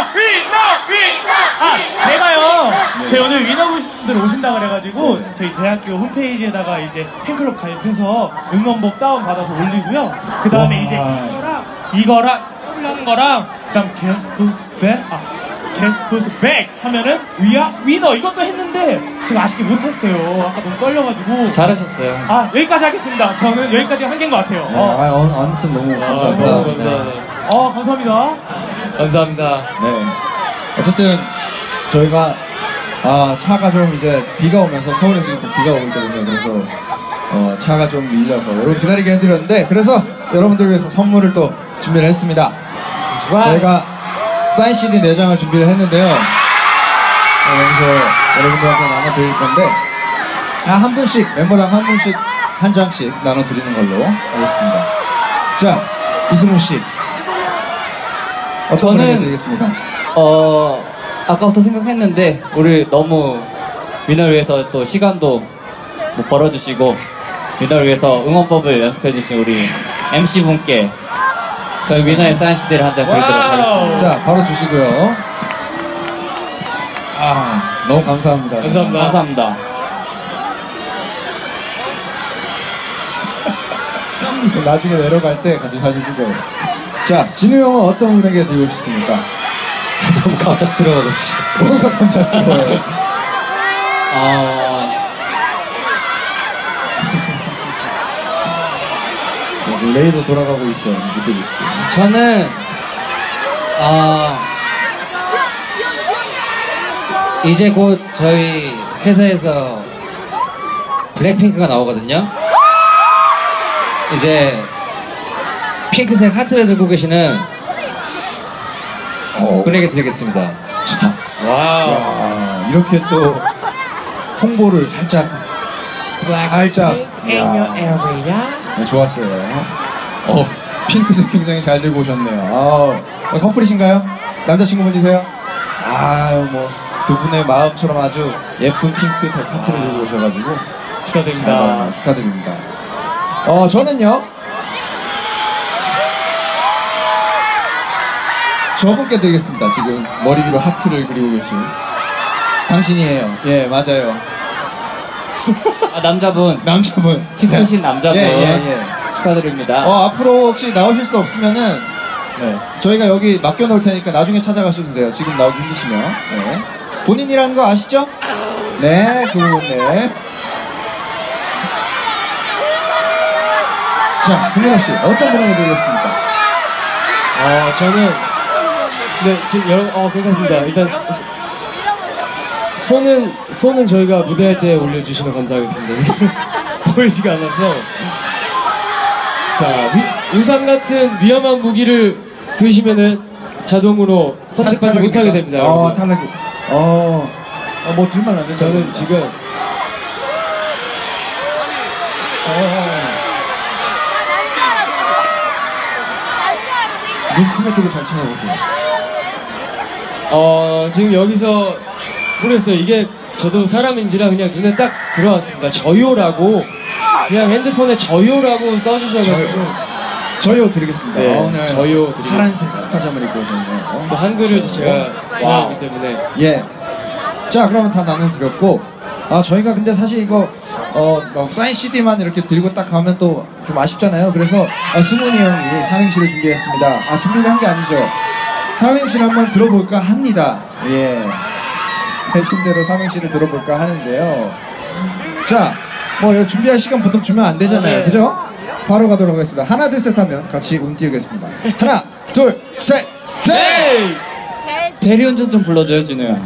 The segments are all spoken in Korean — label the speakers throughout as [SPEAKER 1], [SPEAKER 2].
[SPEAKER 1] 제가요. 저희 오늘 위너분들 오신다 그래가지고 저희 대학교 홈페이지에다가 이제 팬클럽 가입해서 응원복 다운 받아서 올리고요. 그 다음에 이제 이거랑 하는 거랑 그다음 Guess Who's Back? Guess Who's Back 하면은 위너 이것도 했는데 제가 아쉽게 못했어요. 아까 너무 떨려가지고.
[SPEAKER 2] 잘하셨어요.
[SPEAKER 1] 여기까지 하겠습니다. 저는 여기까지 한 개인 것 같아요.
[SPEAKER 3] 아무튼 너무 감사합니다.
[SPEAKER 1] 감사합니다.
[SPEAKER 2] 감사합니다.
[SPEAKER 3] 네. 어쨌든 저희가 차가 좀 이제 비가 오면서 서울에 지금 비가 오고 있거든요. 그래서 차가 좀 밀려서 여러분 기다리게 해드렸는데 그래서 여러분들을 위해서 선물을 또 준비를 했습니다. 저희가 사인 CD 4장을 준비를 했는데요. 여기서 여러분들한테 나눠드릴 건데 한 분씩 멤버당 한 분씩 한 장씩 나눠드리는 걸로 하겠습니다. 자, 이승우 씨 어떤 분에게 드리겠습니까?
[SPEAKER 2] 아까부터 생각했는데 우리 너무 위너를 위해서 또 시간도 뭐 벌어주시고 위너를 위해서 응원법을 연습해주신 우리 MC분께 저희 위너의 사인 CD를 한 장 드리도록 하겠습니다.
[SPEAKER 3] 자, 바로 주시고요. 너무 감사합니다.
[SPEAKER 2] 감사합니다.
[SPEAKER 3] 나중에 내려갈 때 같이 사진 찍어요. 자, 진우 형은 어떤 분에게 드리고 싶습니까?
[SPEAKER 2] 너무 갑작스러워졌지.
[SPEAKER 3] 뭐가 갑작스러워요? 레이더 돌아가고 있어. 밑에 있지.
[SPEAKER 2] 저는 이제 곧 저희 회사에서 블랙핑크가 나오거든요. 이제 핑크색 하트를 들고 계시는 분에게 드리겠습니다.
[SPEAKER 3] 자,
[SPEAKER 2] 와우.
[SPEAKER 3] 이렇게 또 홍보를 살짝. 네, 좋았어요. 핑크색 굉장히 잘 들고 오셨네요. 커플이신가요? 남자친구분이세요? 뭐 두 분의 마음처럼 아주 예쁜 핑크색 하트를 들고 오셔가지고
[SPEAKER 2] 축하드립니다.
[SPEAKER 3] 축하드립니다. 저는요. 저분께 드리겠습니다. 지금 머리 위로 하트를 그리고 계신 당신이에요. 예, 맞아요.
[SPEAKER 2] 남자분. 키 크신 남자분.
[SPEAKER 3] 예.
[SPEAKER 2] 축하드립니다.
[SPEAKER 3] 앞으로 혹시 나오실 수 없으면은 저희가 여기 맡겨놓을 테니까 나중에 찾아가셔도 돼요. 지금 나오기 힘드시면. 네. 본인이라는 거 아시죠? 네, 네. 자, 김민호 씨, 어떤 분에게 드리겠습니까?
[SPEAKER 4] 저는 지금 여러분 괜찮습니다. 일단 손은 저희가 무대할 때 올려주시면 감사하겠습니다. 보이지가 않아서. 자, 우산 같은 위험한 무기를 드시면은 자동으로 선택하지 못하게 됩니다.
[SPEAKER 3] 탈락이. 뭐 들면 안 되죠?
[SPEAKER 4] 저는 지금
[SPEAKER 3] 눈 크게 뜨고 잘 찾아보세요.
[SPEAKER 4] 지금 여기서 모르겠어요. 이게 저도 사람인지라 그냥 눈에 딱 들어왔습니다. 저요라고 그냥 핸드폰에 저요라고 써주셔가지고
[SPEAKER 3] 저요 드리겠습니다.
[SPEAKER 4] 네,
[SPEAKER 3] 오늘
[SPEAKER 4] 저요 드리겠습니다.
[SPEAKER 3] 파란색 스카잠을 입고 오셨네요.
[SPEAKER 4] 또 한글을 제가 좋아하기 때문에.
[SPEAKER 3] 예. 자, 그러면 다 나눠드렸고 저희가 근데 사실 이거 사인 CD만 이렇게 들고 딱 가면 또 좀 아쉽잖아요. 그래서 승훈이 형이 삼행시를 준비했습니다. 준비를 한 게 아니죠. 삼행시를 한번 들어볼까 합니다. 예. 대신대로 삼행시를 들어볼까 하는데요. 자, 뭐 준비할 시간 보통 주면 안 되잖아요. 그죠? 바로 가도록 하겠습니다. 하나, 둘, 셋 하면 같이 띄우겠습니다. 하나, 둘, 셋, 네!
[SPEAKER 2] 대리운전 좀 불러줘요, 진우야.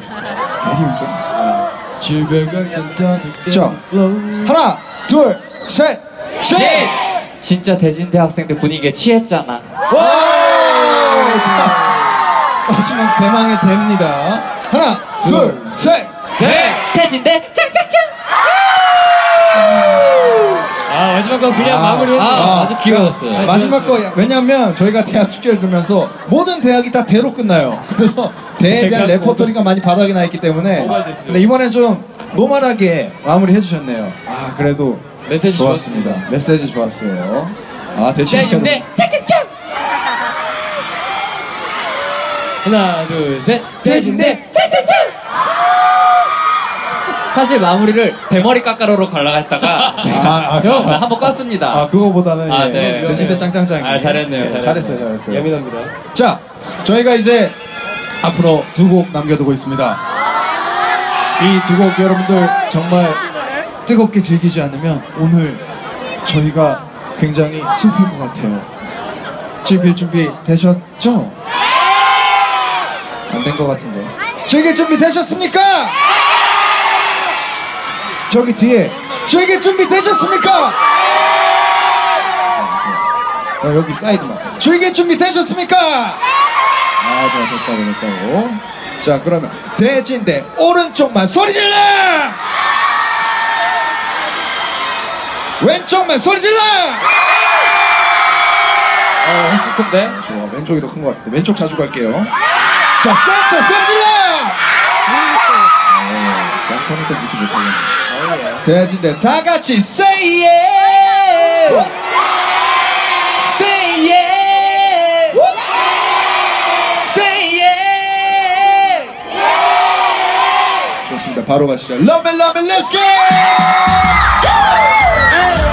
[SPEAKER 3] 대리운전? 자, 하나, 둘, 셋, 셋!
[SPEAKER 2] 진짜 대진대 학생들 분위기에 취했잖아.
[SPEAKER 3] 마지막 대망의 대입니다. 하나, 둘, 셋,
[SPEAKER 2] 대! 대진대 짱짱짱!
[SPEAKER 4] 마지막 거 그냥 마무리했네요.
[SPEAKER 2] 아주 귀여웠어요.
[SPEAKER 3] 마지막 거, 왜냐면 저희가 대학 축제를 들으면서 모든 대학이 다 대로 끝나요. 그래서 대에 대한 레퍼토리가 많이 바닥이 나 있기 때문에. 근데 이번엔 좀 노멀하게 마무리 해주셨네요. 그래도
[SPEAKER 4] 메시지
[SPEAKER 3] 좋았습니다. 메시지 좋았어요. 대신에.
[SPEAKER 2] 짱짱짱!
[SPEAKER 4] 하나, 둘, 셋. 대진대.
[SPEAKER 2] 사실 마무리를 대머리 깎아로로 가려고 했다가 형 한번 껐습니다.
[SPEAKER 3] 아 그거보다는
[SPEAKER 2] 아,
[SPEAKER 3] 예,
[SPEAKER 2] 네.
[SPEAKER 3] 대신대 짱짱짱이.
[SPEAKER 2] 아, 잘했네요,
[SPEAKER 3] 예,
[SPEAKER 2] 잘했네요.
[SPEAKER 3] 잘했어요.
[SPEAKER 4] 예민합니다.
[SPEAKER 3] 자, 저희가 이제 앞으로 두 곡 남겨두고 있습니다. 이 두 곡 여러분들 정말 뜨겁게 즐기지 않으면 오늘 저희가 굉장히 슬플 것 같아요. 즐길 준비 되셨죠? 안 된 것 같은데. 즐길 준비 되셨습니까? 저기 뒤에 즐길 준비 되셨습니까? 여기 사이드만 즐길 준비 되셨습니까? 아, 자, 됐다고. 자, 그러면 대진대 오른쪽만 소리 질러! 왼쪽만 소리 질러!
[SPEAKER 2] 훨씬 큰데?
[SPEAKER 3] 좋아, 왼쪽이 더 큰 것 같은데 왼쪽 자주 갈게요. 자, 센터 소리 질러! 센터는 또 무시 못하겠네. 대진대 다 같이 say yeah! Say yeah! Say yeah! 좋습니다. 바로 가시죠. Love it, let's go!